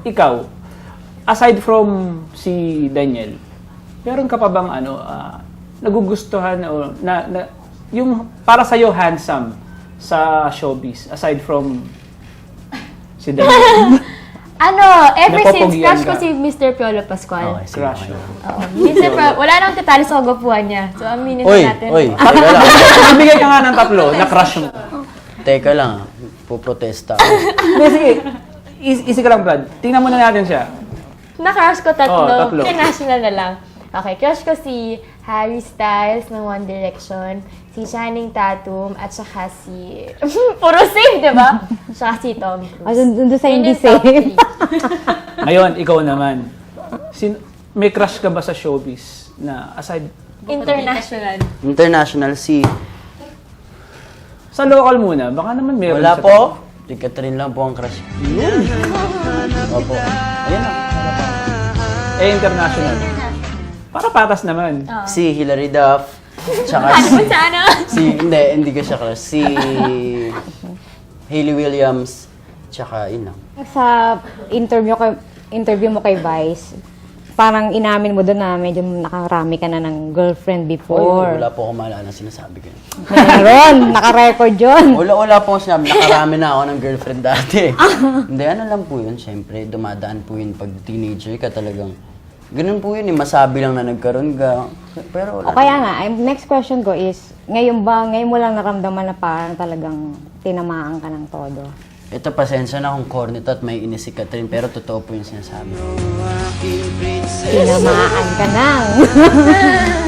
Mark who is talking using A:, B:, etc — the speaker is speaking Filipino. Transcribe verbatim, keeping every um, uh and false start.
A: ikaw, aside from si Daniel, meron ka pa bang ano, ah, nagugustuhan o na, na yung para sa iyo handsome sa showbiz aside from si Daniel?
B: Ano, ever since
A: Napopogian
B: crush ko
A: ka.
B: si Mister Piolo Pascual.
C: Okay, sige.
A: Crush.
C: Okay.
B: Oo. Mister Piolo, wala nang tatalo sa kagwapuan niya. So, aminin
C: Uy,
B: na natin.
C: uy, teka lang.
A: Ibigay ka nga ng tatlo na crush mo.
C: Teka lang, puprotesta ako.
A: Hindi, sige. Easy, easy ka lang, Brad. Tingnan muna natin siya.
B: Na-crush ko tatlo.
A: Oo, tatlo.
B: International na lang. Okay, crush ko si Harry Styles ng One Direction, si Channing Tatum, at saka si... Puro safe, di ba? Saka si Tom Cruise.
D: Ah, dun- dun sa
B: Yun
D: hindi
B: yung top
D: safe.
B: three.
A: Ngayon, ikaw naman. Sin may crush ka ba sa showbiz na aside
B: International.
C: International, si...
A: sa local muna? Baka naman meron
C: Wala
A: sa-
C: po. Si Catherine lang po ang crush. Yun. Opo. Ayun na.
A: Eh, international. Para patas naman.
C: Si Hilary Duff. Tsaka
B: Ano
C: si...
B: mo sa ano?
C: Si... Hindi, hindi ko siya crush. Si... Hayley Williams. Tsaka, yun lang.
D: Sa interview kay interview mo kay Vice, parang inamin mo doon na medyo nakarami ka na ng girlfriend
C: Or,
D: before.
C: wala po akong maalala na sinasabi ko.
D: Meron, naka-record yun.
C: Wala, wala po akong sinabi. Nakarami na ako ng girlfriend dati. Hindi, ano lang po yun. Siyempre, dumadaan po yun pag teenager ka talagang. Ganun po yun eh. Masabi lang na nagkaroon ka. Pero wala.
D: O kaya nga, ay- next question ko is, ngayon ba, ngayon mo lang naramdaman na parang talagang tinamaan ka ng todo?
C: Ito, pasensya na kung corny to at may inis si Catherine. Pero totoo po yung sinasabi.
D: Tinamaan ka ng.